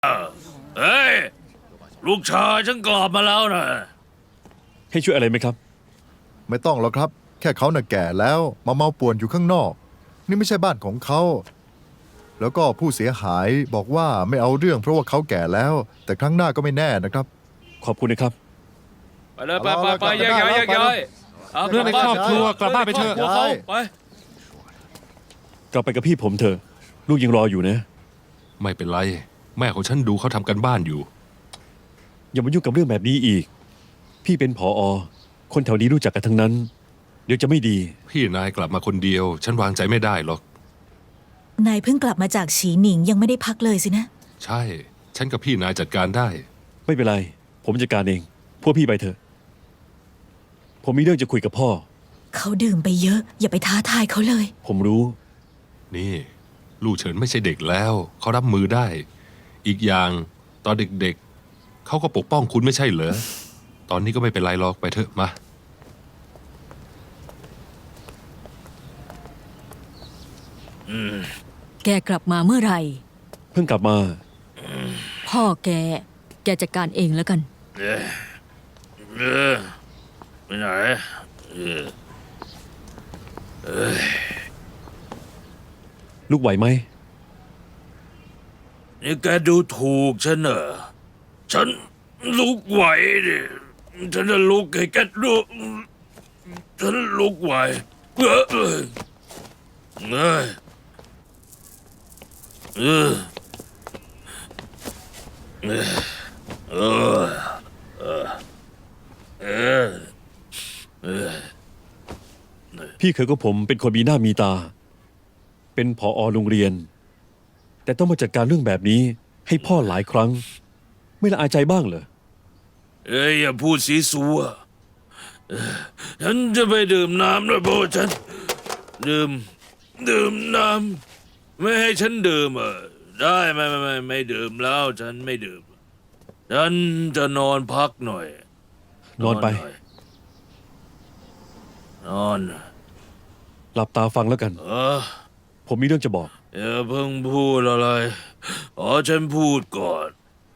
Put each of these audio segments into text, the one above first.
เฮ้ยลูกชายฉันกลับมาแล้วนะให้ช่วยอะไรไหมครับไม่ต้องหรอกครับ แค่เขาน่ะแก่แล้วมาเมาป่วนอยู่ข้างนอก นี่ไม่ใช่บ้านของเขา แล้วก็ผู้เสียหายบอกว่าไม่เอาเรื่องเพราะว่าเขาแก่แล้ว แต่ครั้งหน้าก็ไม่แน่นะครับขอบคุณนะครับไปเลยไปเอาละไปกลับแยกันกได้ย้ายแล้วแยกย้ายเรื่องในครอบครัวกลับบ้านไปเถอะครบครัวเขาไปกลับไปกับพี่ผมเถอะ ลูกยังรออยู่นะไม่เป็นไร แม่ของฉันดูเขาทำกันบ้านอยู่อย่ามายุ่งกับเรื่องแบบนี้อีก พี่เป็นผอ.คนแถวนี้รู้จักกันทั้งนั้น เดี๋ยวจะไม่ดีพี่นายกลับมาคนเดียว ฉันวางใจไม่ได้หรอกนายเพิ่งกลับมาจากฉีหนิงยังไม่ได้พักเลยสินะใช่ ฉันกับพี่นายจัดการได้ไม่เป็นไร ผมจัดการเอง พวกพี่ไปเถอะ ผมมีเรื่องจะคุยกับพ่อเขาดื่มไปเยอะ อย่าไปท้าทายเขาเลยผมรู้นี่ ลูกเฉินไม่ใช่เด็กแล้ว เขารับมือได้ อีกอย่างตอนเด็กๆ เขาก็ปกป้องคุณไม่ใช่เหรอ ตอนนี้ก็ไม่เป็นไรหรอกไปเถอะมาแกกลับมาเมื่อไหร่เพิ่งกลับมาพ่อแกจัดการเองแล้วกันไปไหนเออลูกไหวไหมนี่แกดูถูกฉันเหรอฉันลุกไหวดิฉันจะลุกให้แกดูฉันลุกไหวเออเออเออเออเออเออเออเออพี่เคยกับผมเป็นคนมีหน้ามีตา เป็นผอ.โรงเรียน แต่ต้องมาจัดการเรื่องแบบนี้ ให้พ่อหลายครั้ง ไม่ละอายใจบ้างเหรอเอ้ยอย่าพูดสีสัวฉันจะไปดื่มน้ำด้วยเพราะว่าฉันดื่มน้ำไม่ให้ฉันดื่มได้ไม่ดื่มแล้วฉันไม่ดื่มฉันจะนอนพักหน่อยนอนไปหยนอนหลับตาฟังแล้วกัน ผมมีเรื่องจะบอกอย่าเพิ่งพูดอะไรขอฉันพูดก่อน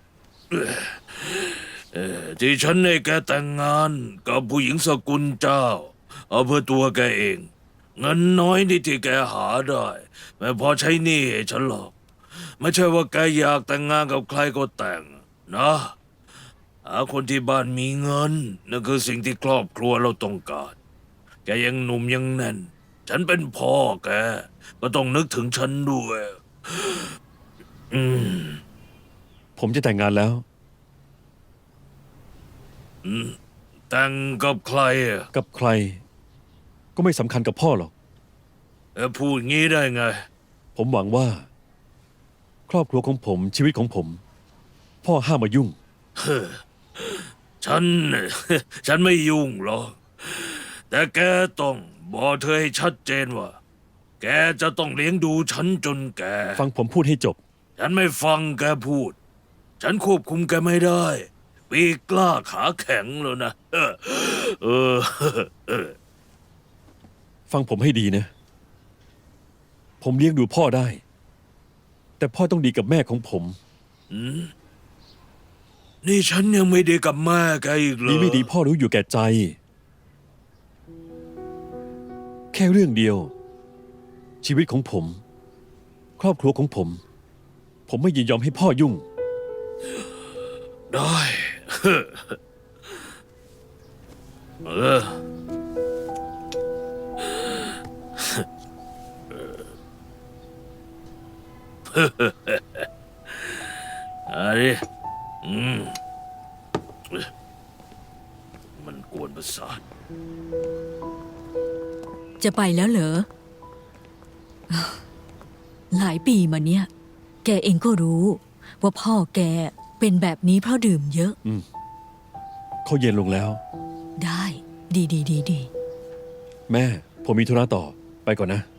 ที่ฉันให้แกแต่งงานกับผู้หญิงสกุลเจ้า เอาเพื่อตัวแกเอง เงินน้อยนิดที่แกหาได้ไม่พอใช้หนี้ให้ฉันหรอก ไม่ใช่ว่าแกอยากแต่งงานกับใครก็แต่งนะหาคนที่บ้านมีเงินนั่นคือสิ่งที่ครอบครัวเราต้องการ แกยังหนุ่มยังแน่น ฉันเป็นพ่อแกก็ต้องนึกถึงฉันด้วยผมจะแต่งงานแล้วแต่งกับใครอะกับใคร ก็ไม่สำคัญกับพ่อหรอกพูดงี้ได้ไงผมหวังว่า ครอบครัวของผมชีวิตของผม พ่อห้ามมายุ่งฉัน ฉันไม่ยุ่งหรอก แต่แกต้องบอกเธอให้ชัดเจนว่า แกจะต้องเลี้ยงดูฉันจนแกฟังผมพูดให้จบฉันไม่ฟังแกพูด ฉันควบคุมแกไม่ได้ปีกกล้าขาแข็งแล้วนะ เออฟังผมให้ดีนะ ผมเลี้ยงดูพ่อได้ แต่พ่อต้องดีกับแม่ของผมนี่ฉันยังไม่ได้กับแม่แกอีกเหรอดีไม่ดีพ่อรู้อยู่แก่ใจ แค่เรื่องเดียว ชีวิตของผม ครอบครัวของผม ผมไม่ยินยอมให้พ่อยุ่งได้ เออ อะไรมันกวนประสาทจะไปแล้วเหรอ หลายปีมาเนี้ยแกเองก็รู้ ว่าพ่อแกเป็นแบบนี้เพราะดื่มเยอะเขาเย็นลงแล้วได้ ดีแม่ ผมมีธุระต่อ ไปก่อนนะ